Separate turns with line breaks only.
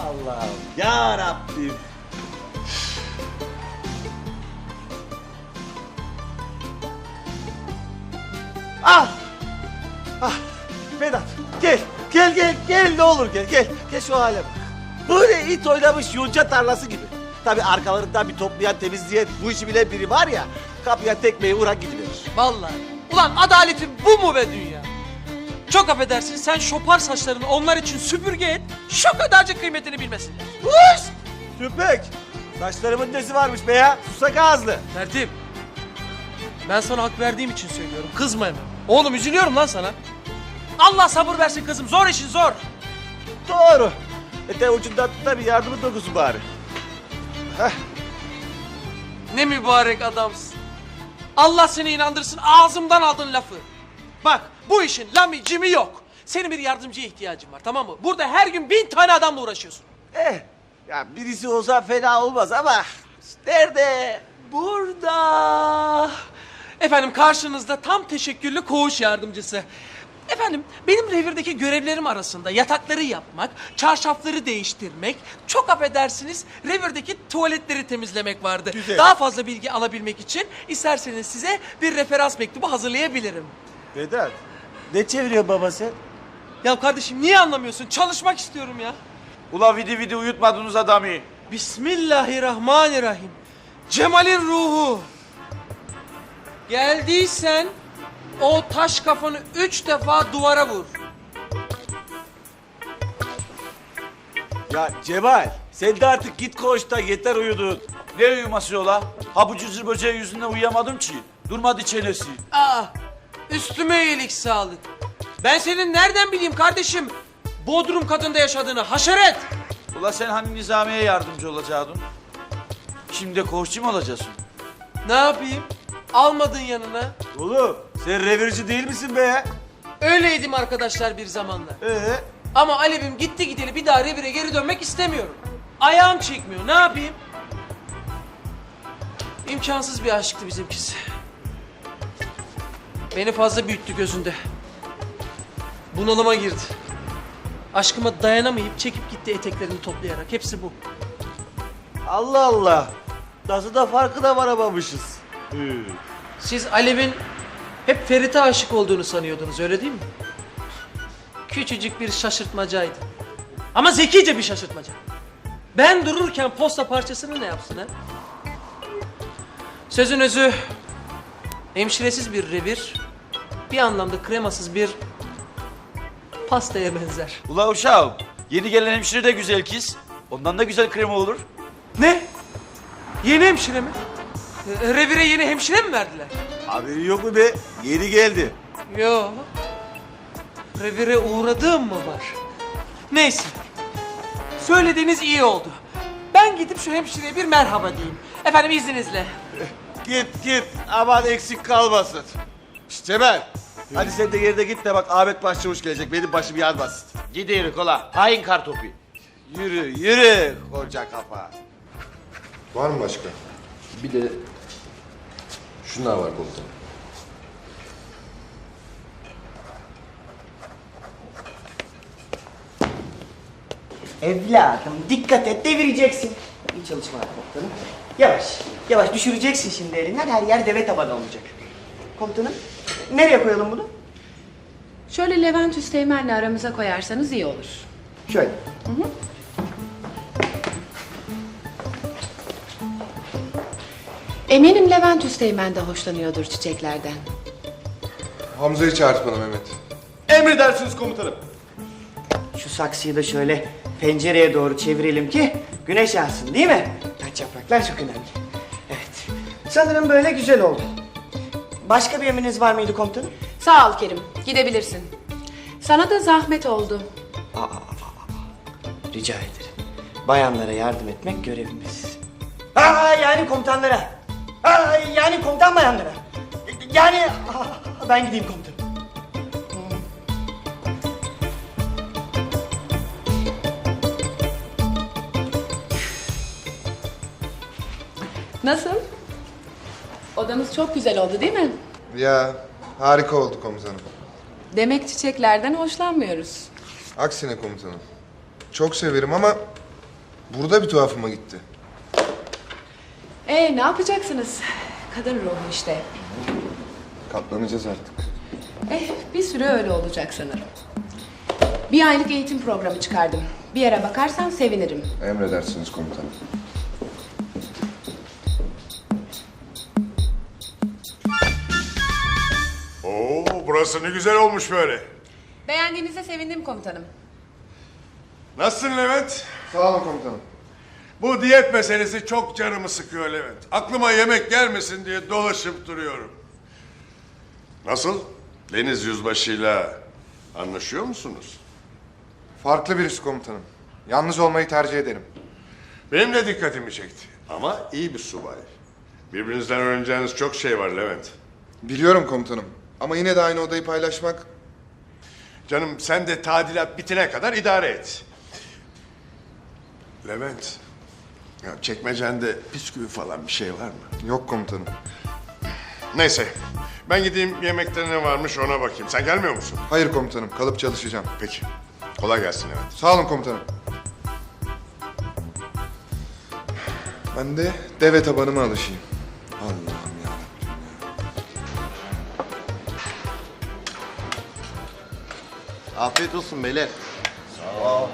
Allah'ım ya Rabbim. Ah! Ah! Vedat gel. Gel ne olur gel. Gel şu hale bak. Böyle it oynamış yonca tarlası gibi. Tabii arkalarından bir toplayan temizleyen bu işi bilen biri var ya. Kapıya tekmeyi vuran gidiverir.
Vallahi. Ulan adaletin bu mu be dünya? Çok affedersin, sen şopar saçlarını onlar için süpürge et, şu kadarcık kıymetini bilmesinler.
Uş! Tüpek! Saçlarımın nesi varmış be ya? Susak ağızlı.
Tertip. Ben sana hak verdiğim için söylüyorum, kızma hemen. Oğlum üzülüyorum lan sana. Allah sabır versin kızım, zor işin zor.
Doğru. Ete ucundan tut da bir yardımın dokusu bari. Heh.
Ne mübarek adamsın. Allah seni inandırsın, ağzımdan aldın lafı. Bak, bu işin lami cimi yok. Senin bir yardımcıya ihtiyacın var, tamam mı? Burada her gün 1000 tane adamla uğraşıyorsun.
Ya birisi olsa fena olmaz ama nerede?
Burada. Efendim karşınızda tam teşekküllü koğuş yardımcısı. Efendim benim revirdeki görevlerim arasında yatakları yapmak, çarşafları değiştirmek, çok affedersiniz revirdeki tuvaletleri temizlemek vardı.
Güzel.
Daha fazla bilgi alabilmek için isterseniz size bir referans mektubu hazırlayabilirim.
Vedat, ne çeviriyor baba sen?
Ya kardeşim niye anlamıyorsun? Çalışmak istiyorum ya.
Ula vidi uyutmadınız adamı.
Bismillahirrahmanirrahim. Cemal'in ruhu. Geldiysen o taş kafanı 3 defa duvara vur.
Ya Cemal, sen de artık git koğuşta yeter uyudun.
Ne uyuması ola? Ha bu cızır böceği yüzünden uyuyamadım ki. Durmadı çenesi.
Aa, üstüme iyilik sağlık. Ben senin nereden bileyim kardeşim? Bodrum katında yaşadığını haşeret.
Ula sen hani Nizamiye yardımcı olacaktın? Şimdi de koğuşçu mu olacaksın?
Ne yapayım? Almadın yanına.
Oğlum, sen revirci değil misin be ya?
Öyleydim arkadaşlar bir zamanlar. Ama Alev'im gitti gideli bir daha revire geri dönmek istemiyorum. Ayağım çekmiyor. Ne yapayım? İmkansız bir aşktı bizimkisi. Beni fazla büyüttü gözünde. Bunalıma girdi. Aşkıma dayanamayıp çekip gitti eteklerini toplayarak. Hepsi bu.
Allah Allah. Nasıl da farkına varamamışız.
Siz Alev'in hep Ferit'e aşık olduğunu sanıyordunuz, öyle değil mi? Küçücük bir şaşırtmacaydı. Ama zekice bir şaşırtmaca. Ben dururken posta parçasını ne yapsın ha? Sözün özü, hemşiresiz bir revir, bir anlamda kremasız bir pastaya benzer.
Ula uşağım, yeni gelen hemşire de güzel kız. Ondan da güzel krema olur.
Ne? Yeni hemşire mi? Revire yeni hemşire mi verdiler?
Haberi yok mu be? Yeni geldi.
Yo. Revire uğradığım mı var? Neyse. Söylediğiniz iyi oldu. Ben gidip şu hemşireye bir merhaba diyeyim. Efendim izninizle.
Git. Aman eksik kalmasın. Şşt Cemal. Hadi sen de yerine git de bak Ahmet Başçavuş gelecek. Benim başım yanmasın.
Gidiyoruz ola. Hain kartopu.
Yürü koca kafa.
Var mı başka? Bir de şunlar var komutanım.
Evladım dikkat et devireceksin. İyi çalışmalar komutanım. Yavaş düşüreceksin şimdi elinden, her yer deve tabanı olacak. Komutanım nereye koyalım bunu?
Şöyle Levent Üsteğmen'le aramıza koyarsanız iyi olur.
Şöyle.
Eminim Levent Üsteğmen de hoşlanıyordur çiçeklerden.
Hamza'yı çağırt bana Mehmet.
Emredersiniz komutanım.
Şu saksıyı da şöyle pencereye doğru çevirelim ki güneş yansın değil mi? Taç yapraklar çok önemli. Evet. Sanırım böyle güzel oldu. Başka bir emriniz var mıydı komutanım?
Sağ ol Kerim, gidebilirsin. Sana da zahmet oldu.
Rica ederim. Bayanlara yardım etmek görevimiz. Yani komutanlara. Yani komutan bayanlara. Yani ben gideyim komutanım.
Nasıl? Odamız çok güzel oldu değil mi?
Ya harika oldu komutanım.
Demek çiçeklerden hoşlanmıyoruz.
Aksine komutanım. Çok severim ama Burada bir tuhafıma gitti.
Ne yapacaksınız? Kadın ruhu işte.
Katlanacağız artık.
Bir süre öyle olacak sanırım. Bir aylık eğitim programı çıkardım. Bir yere bakarsan sevinirim.
Emredersiniz komutanım.
Oo, burası ne güzel olmuş böyle.
Beğendiğinize sevindim komutanım.
Nasılsın Levent?
Sağ olun komutanım.
Bu diyet meselesi çok canımı sıkıyor Levent. Aklıma yemek gelmesin diye dolaşıp duruyorum. Nasıl? Deniz Yüzbaşı'yla anlaşıyor musunuz?
Farklı birisi komutanım. Yalnız olmayı tercih ederim.
Benim de dikkatimi çekti. Ama iyi bir subay. Birbirinizden öğreneceğiniz çok şey var Levent.
Biliyorum komutanım. Ama yine de aynı odayı paylaşmak...
Canım sen de tadilat bitene kadar idare et. Levent, ya çekmecende bisküvi falan bir şey var mı?
Yok komutanım.
Neyse, ben gideyim yemekte ne varmış ona bakayım. Sen gelmiyor musun?
Hayır komutanım. Kalıp çalışacağım.
Peki, kolay gelsin Levent.
Sağ olun komutanım. Ben de deve tabanıma alışayım. Allah'ım ya.
Afiyet olsun beyler.